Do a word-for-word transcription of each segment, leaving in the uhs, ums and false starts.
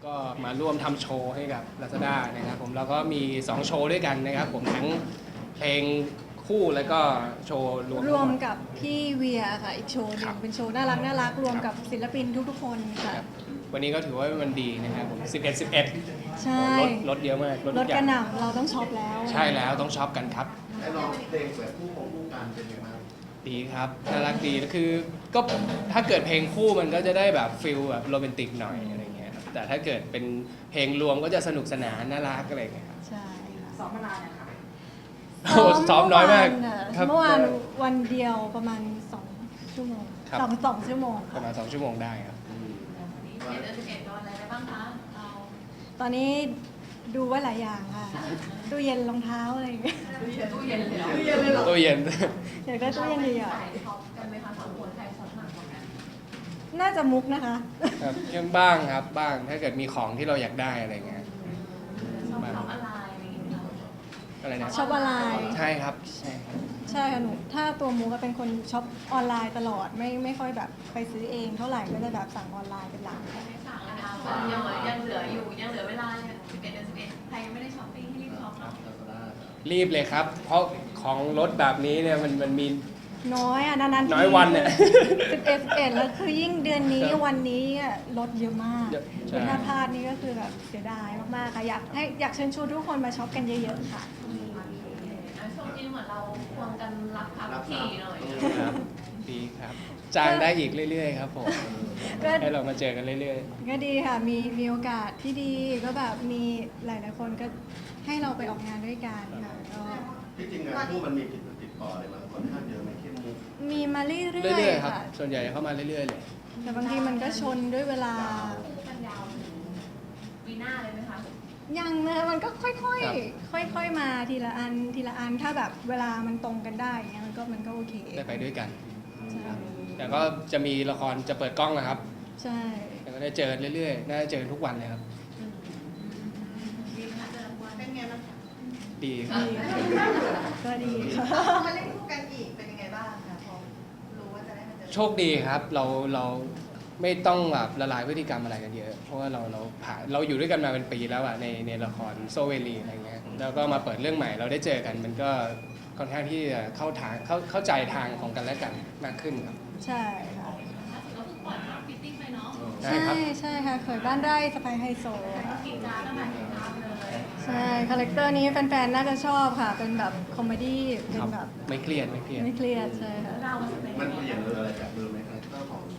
ก็มาร่วมทำโชว์ให้กับ Lazada นะครับผมแล้วก็มีสองโชว์ด้วยกันนะครับผมทั้งเพลงคู่แล้วก็โชว์รวมรวมกับพี่เวียค่ะอีกโชว์หนึงเป็นโชว์น่ารักน่ารักรวมกับศิลปินทุกๆคนค่ะวันนี้ก็ถือว่ามันดีนะครับผมสิบเอ็ด สิบเอ็ดใช่รถรถเยอะมากรถกระหน่ำเราต้องช็อปแล้วใช่แล้วต้องช็อปกันครับไอ้ร้องเพลงแบบคู่ของคู่กันเป็นยังไงบ้างดีครับน่ารักดีคือก็ถ้าเกิดเพลงคู่มันก็จะได้แบบฟิลแบบโรแมนติกหน่อยอะไรเงี้ยครับแต่ถ้าเกิดเป็นเพลงรวมก็จะสนุกสนานน่ารักอะไรเงี้ยครับใช่ค่ะซ้อมมานานนะคะโอ้ซ้อมน้อยมากครับเมื่อวานวันเดียวประมาณสองชั่วโมงครับสองสองชั่วโมงปค่ะระมาณสองชั่วโมงได้ครับเดือนสิบเอ็ดโดนอะไรไปบ้างคะเอาตอนนี้ดูไว้หลายอย่างค่ะตู้เย็นรองเท้าอะไรอย่างเงี้ยตู้เย็นเลยเหรอตู้เย็นเลยเหรอตู้เย็นอยากได้ตู้เย็นใหญ่สายช็อปกันไหมคะสองคนใครช็อปมากกว่ากันๆน่าจะมุกนะคะครับยังบ้างครับบ้างถ้าเกิดมีของที่เราอยากได้อะไรเงี้ยช็อปช็อปอะไรอะไรอย่างเงี้ยอะไรนะช็อปออนไลน์ใช่ครับใช่ครับใช่ค่ะหนูถ้าตัวมุกก็เป็นคนช็อปออนไลน์ตลอดไม่ไม่ค่อยแบบไปซื้อเองเท่าไหร่ก็จะแบบสั่งออนไลน์เป็นหลักไม่สั่งแล้วนะคนยังยังเหลืออยู่ยังเหลือเวลาสิบเอ็ดเดือนสิบเอ็ดใครยังไม่ได้ช้อปปิ้งให้รีบช็อปเนาะรีบเลยครับ เพราะของรถแบบนี้เนี่ยมันมันมีน้อยอ่ะนานๆทีน้อยวันเนี่ยสิบเอ็ดสิบเอ็ดแล้วคือยิ่งเดือนนี้ครับวันนี้อะลดเยอะมากเยอะใช่ถ้าพลาดนี่ก็คือแบบเสียดายมากๆค่ะอยากให้อยากเชิญชวนทุกคนมาช็อปกันเยอะๆค่ะช่วงนี้เหมือนเราควงกันรับพับขี่หน่อยครับดีครับจ้างได้อีกเรื่อยๆครับผมก็ให้เรามาเจอกันเรื่อยก็ดีค่ะมีมีโอกาสที่ดีก็แบบมีหลายๆคนก็ให้เราไปออกงานด้วยกันค่ะก็ที่จริงงานคู่มันมีติดติดต่ออะไรมาค่อนข้างเยอะไหมเข้มมุกมีมาเรื่ๆอยเรื่อยๆๆครับค่ะส่วนใหญ่เข้ามาเรื่อยๆเลยแต่บางทีมันก็ชนด้วยเวลากันยาวถึงปีหน้าเลยไหมคะยังนะมันก็ค่อยครับๆ ค่อยๆ มาทีละอันทีละอันถ้าแบบเวลามันตรงกันได้อย่างเงี้ยมันก็มันก็โอเคได้ไปด้วยกันใช่แต่ก็จะมีละครจะเปิดกล้องนะครับใช่แต่ก็ได้เจอกันเรื่อยๆน่าจะเจอกันทุกวันเลยครับดีไหมคะเจอวันเป็นไงบ้างคะดีครับดีก็ดีค่ะมาเล่นคู่กันอีกเป็นยังไงบ้างคะพอรู้ว่าจะได้มาเจอโชคดีครับเราเราไม่ต้องแบบละลายพฤติกรรมอะไรกันเยอะ เพราะว่าเราเราผ่านเราอยู่ด้วยกันมาเป็นปีแล้วอะในในละครโซเวลีอะไรเงี้ยแล้วก็มาเปิดเรื่องใหม่เราได้เจอกัน มันก็ค่อนข้างที่จะเข้าทางเข้าเข้าใจทางของกันและกันมากขึ้นครับใช่ค่ะล่าสุดก็เพิ่งปล่อยภาพฟิตติ้งไปเนาะได้ใช่ครับใช่ค่ะเขยบ้านไร่สไปไฮโซกินจ้าตั้งแต่เห็นภาพเลยใช่คาแรคเตอร์นี้แฟนๆ น่าจะชอบค่ะ เป็นแบบคอมเมดี้เป็คน รับแบบไม่เครียดไม่เครียดไม่เครียดใช่ค่ะเราเป็นมันเปลี่ยนเลยอะไรจากเดิมไหมคาแรคเตอร์ของ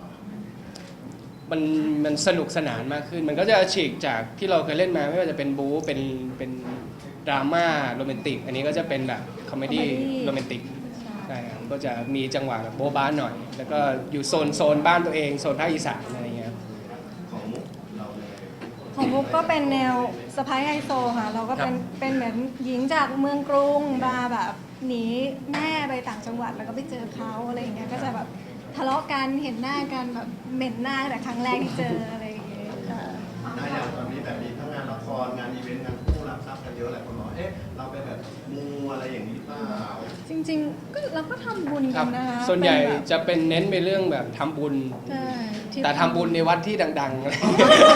มันมันสนุกสนานมากขึ้น มันก็จะฉีกจากที่เราเคยเล่นมาไม่ว่าจะเป็นบู๊เป็นเป็นดราม่าโรแมนติก อันนี้ก็จะเป็นแบบคอมเมดี้ comedy โรแมนติกใช่ใช่ครับก็จะมีจังหวะแบบโบ๊ะบ้าหน่อย แล้วก็อยู่โซนโซนบ้านตัวเองโซนภาคอีสานอะไรเงี้ยครับของมุกเราเลยของมุกก็เป็นแนวสไปไฮโซค่ะ เราก็เป็นครับเป็นเหมือนหญิงจากเมืองกรุงมาแบบหนีแม่ไปต่างจังหวัดแล้วก็ไปเจอเขาอะไรอย่างเงี้ย ก็จะแบบทะเลาะกันเห็นหน้ากันแบบเหม็นหน้าแต่ครั้งแรกที่เจออะไรอย่างเงี้ยค่ะได้อย่างตอนนี้แบบมีทั้งงานละครงานอีเวนต์งานคู่รับทรัพย์กันเยอะหลายคนบอกเอ๊ะเราไปแบบมูอะไรอย่างนี้เปล่าจริงๆก็เราก็ทำบุญคกัรันบนะคะส่วนใหญ่เป็แบบจะเป็นเน้นไปเรื่องแบบทำบุญใช่ที่แต่ทำบุญในวัดที่ดังๆอะไรแบบ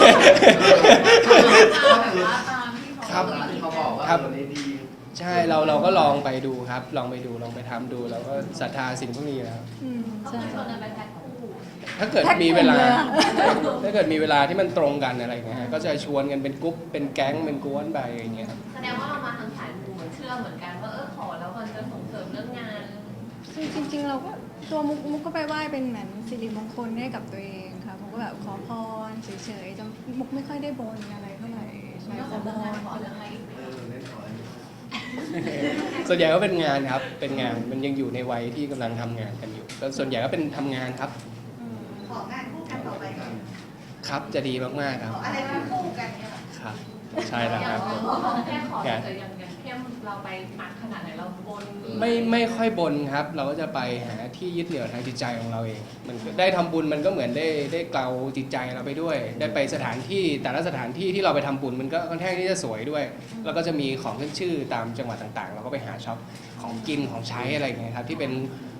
ว่าตามที่เขาครับที่เขาบอกว่าครับตัวนี้ดีใช่เราเราก็ลองไปดูครับ ลองไปดูลองไปทำดูเราก็ศรัทธาสิ่งพวกนี้แล้วอืมเขาใช่เคยชวนกันไปแพ็คคู่ถ้าเกิดแพ็คมีเวลากลุ่มเลยอะถ้าเกิดมีเวลาที่มันตรงกันอะไรอย่างเงี้ยฮะก็จะชวนกันเป็นกรุ๊ปเป็นแก๊งเป็นกวนไปอย่างเงี้ยครับแสดงว่าเรามาทางสายมูเหมือนเชื่อเหมือนกันว่าเออขอแล้วมันจะส่งเสริมเรื่องงานจริงๆ เราก็ตัวมุกมุกก็ไปไหว้เป็นเหมือนสิริมงคลให้กับตัวเองค่ะมุกก็แบบขอพรเฉยๆจะมุกไม่ค่อยได้บนอะไรเท่าไหร่ใช่แล้วขขออพเรื่องงานรขอเรื่องอะไรอีกเออเล่นขออะไรส่วนใหญ่ก็เป็นงานครับ เป็นงานมันยังอยู่ในวัยที่กำลังทำงานกันอยู่ก็ส่วนใหญ่ก็เป็นทำงานครับอืมของานคู่กันต่อไปกันครับจะดีมากๆคขรับออะไรคู่คู่กันเนี่ยเหรอครับ ใช่แล้วครับแค่ขอเฉยๆอย่างอย่างเข้มเราไปหนักขนาดไหนเราบนไม่ไม่ค่อยบนครับ เราก็จะไปหาที่ยึดเหนี่ยวทางจิตใจของเราเอง มันก็ได้ทำบุญมันก็เหมือนได้ได้เกลาจิตใจเราไปด้วย ได้ไปสถานที่แต่ละสถานที่ที่เราไปทำบุญมันก็ค่อนข้างที่จะสวยด้วย แล้วก็จะมีของขึ้นชื่อตามจังหวัดต่างๆ เราก็ไปหาช็อปของกินของใช้อะไรอย่างเงี้ยครับที่เป็น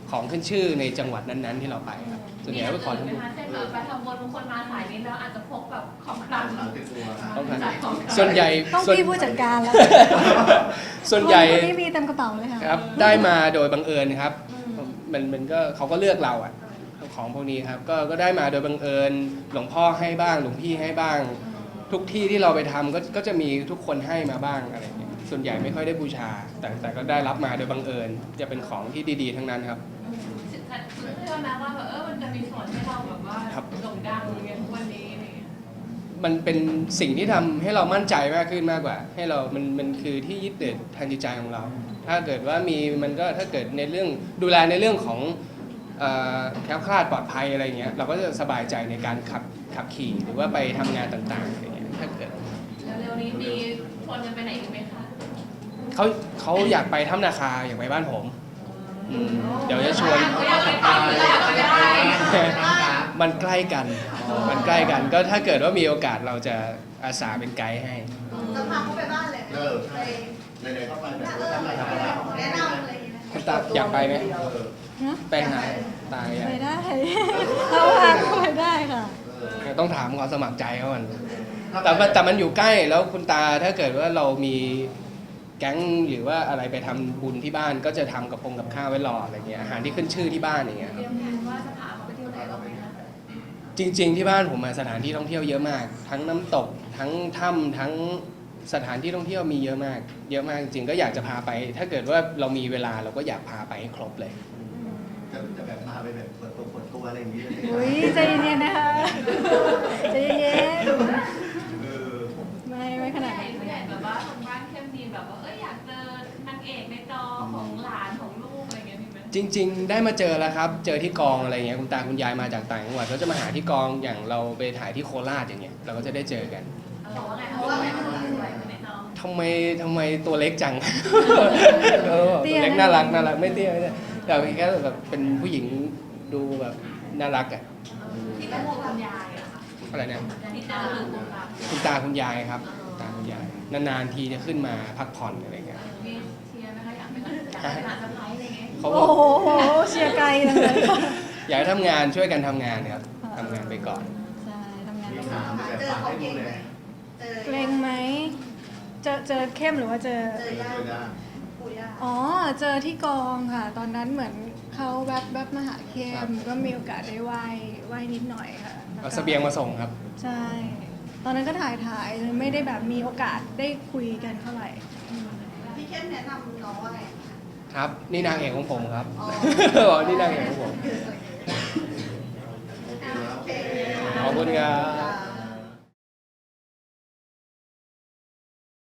ของขึ้นชื่อในจังหวัดนั้นๆที่เราไปครับส่วนใหญ่ก็ไปขอทำบุญมีเช่นแบบไปทำบุญบางคนมาสายนี้แล้วอาจจะพกแบบของคลังสามสิบตัวต้องการจ่ายของคลังส่วนใหญ่ต้องส่วนพี่ผู้จัดการแล้วส่วนใหญ่คนที่มีเต็มกระเป๋าเลยค่ะครับได้มาโดยบังเอิญครับมันมันก็เขาก็เลือกเราอะของพวกนี้ครับก็ก็ได้มาโดยบังเอิญหลวงพ่อให้บ้างหลวงพี่ให้บ้าง ทุกที่ที่เราไปทำก็ก็จะมีทุกคนให้มาบ้างอะไรอย่างเงี้ยส่วนใหญ่ไม่ค่อยได้บูชา แต่แต่ก็ได้รับมาโดยบังเอิญจะเป็นของที่ดีๆทั้งนั้นครับเชื่อนะว่าแบบเออมันจะมีส่วนให้เราแบบว่าครับโด่งดังอย่างเงี้ยทุกวันนี้อะไรเงี้ยมันเป็นสิ่งที่ทำให้เรามั่นใจมากขึ้นมากกว่า ให้เรา มันมันคือที่ยึดเหนี่ยวทางจิตใจของเรา ถ้าเกิดว่ามีมันก็ถ้าเกิดในเรื่องดูแลในเรื่องของเอ่อแคล้วคลาดปลอดภัยอะไรเงี้ยเราก็จะสบายใจในการขับขับขี่หรือว่าไปทำงานต่างๆอะไรเงี้ยถ้าเกิดแล้วเร็วนี้มีชวนกันไปไหนอีกไหมคะเขาเขาอยากไปถ้ำนาคาอยากไปบ้านผมอืมเดี๋ยวจะชวนไม่อยากไปทำไม่อยากไปได้มันใกล้กัน มันใกล้กัน ก็ถ้าเกิดว่ามีโอกาสเราจะอาสาเป็นไกด์ให้จะพาเขาไปบ้านเลยเออไปใช่ไหนๆก็ไปแบบเอว่าอทำอะไรทำอะไรแนะนำอะไรอย่างเงี้ยคุณตาอยากไปไหมเออนะไปหาตาอยากไปได้ เราพาเขาไปได้ค่ะเออต้องถามความสมัครใจเขาก่อนแต่ว่าแต่มันอยู่ใกล้แล้วคุณตาถ้าเกิดว่าเรามีแก๊งหรือว่าอะไรไปทำบุญที่บ้านก็จะทำกับพงกับข้าวไว้รออะไรเงี้ยอาหารที่ขึ้นชื่อที่บ้านอย่างเงี้ยเตรียมแผนว่าจะพาเขาไปเที่ยวไหนบ้างไหมคะจริง ๆ ที่บ้านผมมาสถานที่ท่องเที่ยวเยอะมาก ทั้งน้ำตกทั้งถ้ำทั้งสถานที่ท่องเที่ยวมีเยอะมาก เยอะมากจริงๆก็อยากจะพาไป ถ้าเกิดว่าเรามีเวลาเราก็อยากพาไปให้ครบเลยจะจะแบบพาไปแบบเปิดตัวเปิดตัวอะไรอย่างเงี้ยอุ้ยใจเย็นๆนะคะใจเย็นเออๆไม่ไม่ขผู้นาดใหญ่นั้นผู้ใหญ่แบบว่าทางบ้านเข้มดีแบบว่าเอ้ยอยากเจอนางเอกในจอของหลานของลูกอะไรเงี้ยมีไหมจริง ๆ ได้มาเจอแล้วครับ เจอที่กองอะไรเงี้ยคุณตาคุณยายมาจากต่างจังหวัดก็จะมาหาที่กองอย่างเราไปถ่ายที่โคราชอย่างเงี้ยเราก็จะได้เจอกันบอกว่าไงเขาบอกว่าไงสวยในจอทำไมทำไมตัวเล็กจัง เออตัวเล็กน่ารักน่ารักไม่เตี้ยไม่เตี้ยแต่แค่แบบเป็นผู้หญิงดูแบบน่ารักอ่ะที่เป็นห่วงคุณยายอะค่ะอะไรเนี่ยที่เจอคือคุณตาคุณตาคุณยายครับคุณตาคุณยายนานๆทีจะขึ้นมาพักผ่อนอะไรเงี้ยมีเชียร์ไหมคะอยากเป็นอยากเป็นหลานสะพ้ายอะไรเงี้ยเขาบโอ้อกโหเชียร์ไกลจังเลยค่ะอยากให้ทำงานช่วยกันทำงานครับทำงานไปก่อนใช่ทำงานมีต้องถามแบบเจอฝากเขาให้ดูเก่งเลไหมยเจอเกรงไหมเจอเจอเข้มหรือว่าเจอเจอย่าปู่ย่าอ๋อ เจอที่กองค่ะ ตอนนั้นเหมือนเขาแวบแวบมาหาเข้ครับมก็มีโอกาสได้ไหว้ไหว้นิดหน่อยค่ะแล้วเอาก็เสบียงมาส่งครับใช่ ตอนนั้นก็ถ่ายถ่ายเลยไม่ได้แบบมีโอกาสได้คุยกันเท่าไหร่อืมพี่เข้มแนะนำน้องว่าไงครับ นี่นางเอกของผมครับอ๋ออ๋อนี่นางเอกของผมโอเคขอบคุณครับ